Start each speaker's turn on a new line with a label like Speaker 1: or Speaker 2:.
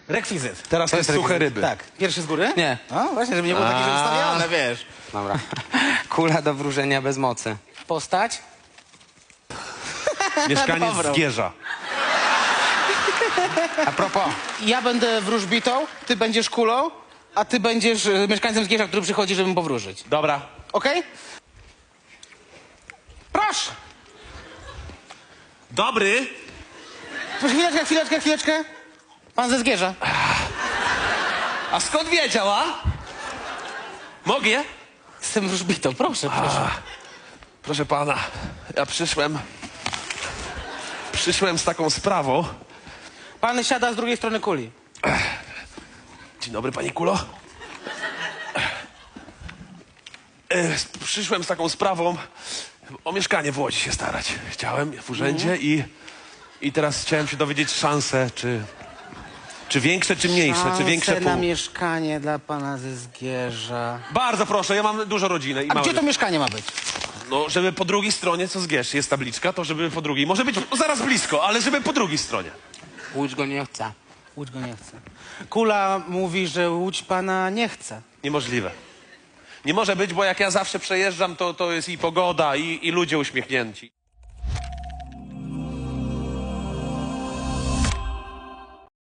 Speaker 1: Rekwizyt.
Speaker 2: Teraz to jest suche ryby.
Speaker 1: Tak. Pierwszy z góry?
Speaker 3: Nie.
Speaker 1: No właśnie, żeby nie było takie ustawione, wiesz.
Speaker 3: Dobra. Kula do wróżenia bez mocy.
Speaker 1: Postać?
Speaker 2: Mieszkaniec
Speaker 1: Dobra.
Speaker 2: Zgierza.
Speaker 3: A propos,
Speaker 1: Ja będę wróżbitą, ty będziesz kulą, a ty będziesz mieszkańcem Zgierza, który przychodzi, żeby mu powróżyć.
Speaker 2: Dobra.
Speaker 1: Okej? Proszę!
Speaker 2: Dobry.
Speaker 1: Proszę, chwileczkę. Pan ze Zgierza.
Speaker 2: A skąd wiedział, a? Mogę?
Speaker 1: Jestem wróżbitą, proszę.
Speaker 2: Proszę pana, ja przyszłem z taką sprawą.
Speaker 1: Pan siada z drugiej strony kuli.
Speaker 2: Dzień dobry, pani Kulo. Przyszłem z taką sprawą. O mieszkanie w Łodzi się starać. Chciałem w urzędzie i teraz chciałem się dowiedzieć szanse, czy większe, czy mniejsze, czy większe
Speaker 1: Szanse na
Speaker 2: pół.
Speaker 1: mieszkanie dla pana ze Zgierza.
Speaker 2: Bardzo proszę, ja mam dużo rodziny i
Speaker 1: A
Speaker 2: małe.
Speaker 1: gdzie to mieszkanie ma być?
Speaker 2: No, żeby po drugiej stronie, co Zgierz, jest tabliczka, to żeby po drugiej. Może być zaraz blisko, ale żeby po drugiej stronie.
Speaker 3: Łódź go nie chce.
Speaker 1: Łódź go nie chce. Kula mówi, że Łódź pana nie chce.
Speaker 2: Niemożliwe. Nie może być, bo jak ja zawsze przejeżdżam, to jest i pogoda, i ludzie uśmiechnięci.